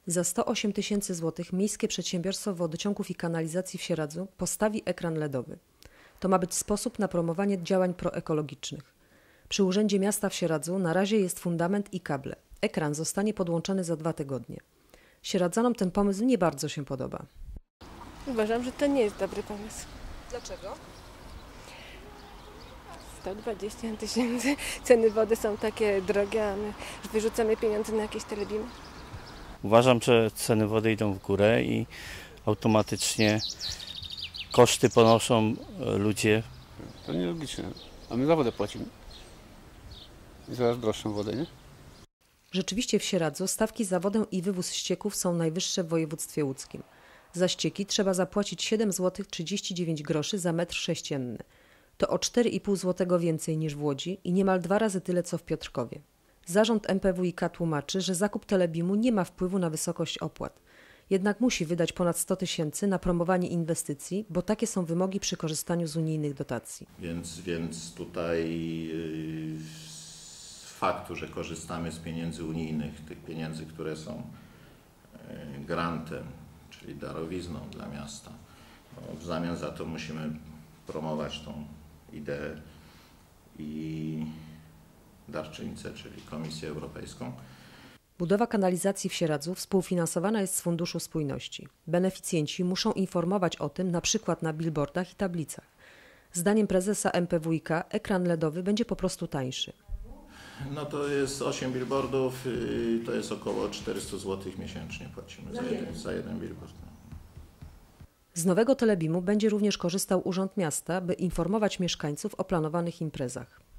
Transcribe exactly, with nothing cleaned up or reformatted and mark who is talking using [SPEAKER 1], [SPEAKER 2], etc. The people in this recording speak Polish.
[SPEAKER 1] Za sto osiem tysięcy złotych Miejskie Przedsiębiorstwo Wodociągów i Kanalizacji w Sieradzu postawi ekran ledowy. To ma być sposób na promowanie działań proekologicznych. Przy Urzędzie Miasta w Sieradzu na razie jest fundament i kable. Ekran zostanie podłączony za dwa tygodnie. Sieradzanom ten pomysł nie bardzo się podoba.
[SPEAKER 2] Uważam, że to nie jest dobry pomysł.
[SPEAKER 1] Dlaczego?
[SPEAKER 2] sto dwadzieścia tysięcy, ceny wody są takie drogie, a my wyrzucamy pieniądze na jakieś telebimy.
[SPEAKER 3] Uważam, że ceny wody idą w górę i automatycznie koszty ponoszą ludzie.
[SPEAKER 4] To nielogiczne, a my za wodę płacimy. I coraz droższą wodę, nie?
[SPEAKER 1] Rzeczywiście w Sieradzu stawki za wodę i wywóz ścieków są najwyższe w województwie łódzkim. Za ścieki trzeba zapłacić siedem złotych trzydzieści dziewięć groszy za metr sześcienny. To o cztery i pół złotego więcej niż w Łodzi i niemal dwa razy tyle co w Piotrkowie. Zarząd M P W i K tłumaczy, że zakup telebimu nie ma wpływu na wysokość opłat. Jednak musi wydać ponad sto tysięcy na promowanie inwestycji, bo takie są wymogi przy korzystaniu z unijnych dotacji.
[SPEAKER 5] Więc, więc tutaj yy, z faktu, że korzystamy z pieniędzy unijnych, tych pieniędzy, które są yy, grantem, czyli darowizną dla miasta, no, w zamian za to musimy promować tą ideę i darczyńcę, czyli Komisję Europejską.
[SPEAKER 1] Budowa kanalizacji w Sieradzu współfinansowana jest z Funduszu Spójności. Beneficjenci muszą informować o tym na przykład na billboardach i tablicach. Zdaniem prezesa M P W i K ekran ledowy będzie po prostu tańszy.
[SPEAKER 5] No to jest osiem billboardów, to jest około czterysta złotych miesięcznie płacimy za jeden, za jeden billboard.
[SPEAKER 1] Z nowego telebimu będzie również korzystał Urząd Miasta, by informować mieszkańców o planowanych imprezach.